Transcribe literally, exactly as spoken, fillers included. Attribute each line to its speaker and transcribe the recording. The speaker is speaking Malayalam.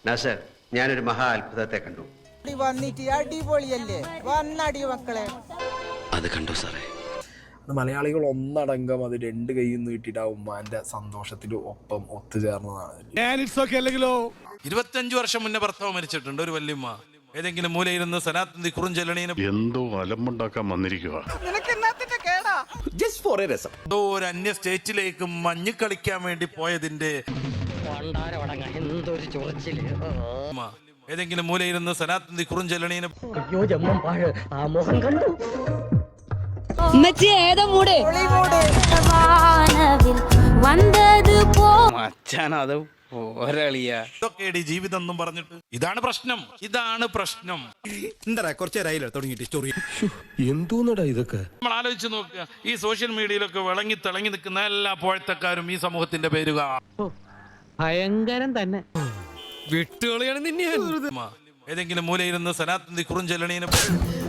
Speaker 1: നാസർ, ഞാനൊരു മഹാ അത്ഭുതത്തെ കണ്ടു.
Speaker 2: വന്നിട്ട് അടിപൊളിയല്ലേ, വന്നടി മക്കളെ.
Speaker 3: അത് കണ്ടു സാറേ.
Speaker 4: മലയാളികൾ ഒന്നടങ്കം അത് രണ്ട് കൈയിൽ നീട്ടിട്ട് ആ ഉമ്മാന്റെ സന്തോഷത്തിന് ഒപ്പം ഒത്തുചേർന്നതാണ്.
Speaker 5: ഇരുപത്തിയഞ്ചു വർഷം മുന്നേ ഭർത്താവ് മരിച്ചിട്ടുണ്ട്. ഒരു വല്യമ്മ ഏതെങ്കിലും മൂലയിരുന്ന് സനാത്തന്തി കുറുഞ്ചെല്ലണീന്
Speaker 6: എന്തോ അലമ്പുണ്ടാക്കാൻ വന്നിരിക്കുക.
Speaker 5: എന്തോ ഒരു അന്യ സ്റ്റേറ്റിലേക്ക് മഞ്ഞ് കളിക്കാൻ വേണ്ടി പോയതിന്റെ ഏതെങ്കിലും മൂലയിരുന്ന് സനാത്തന്തി കുറുഞ്ചെല്ലണീന് ഇതൊക്കെയാണ് ജീവിതം എന്നും പറഞ്ഞിട്ട്. ഇതാണ് പ്രശ്നം, ഇതാണ് പ്രശ്നം.
Speaker 7: എന്താ കുറച്ചേരായില്ല തുടങ്ങിയിട്ട് സ്റ്റോറി.
Speaker 3: എന്തോന്നടാ ഇതൊക്കെ
Speaker 5: നമ്മൾ ആലോചിച്ച് നോക്കുക. ഈ സോഷ്യൽ മീഡിയയിലൊക്കെ വിളങ്ങി തിളങ്ങി നിൽക്കുന്ന എല്ലാ പോഴത്തക്കാരും ഈ സമൂഹത്തിന്റെ പേരുക
Speaker 8: ഭയങ്കരം തന്നെ.
Speaker 5: വിട്ടുകളിയാണ് നിന്നെ ഏതെങ്കിലും മൂലയിരുന്ന് സനാത്തന്തി കുറുഞ്ചെല്ലണീന്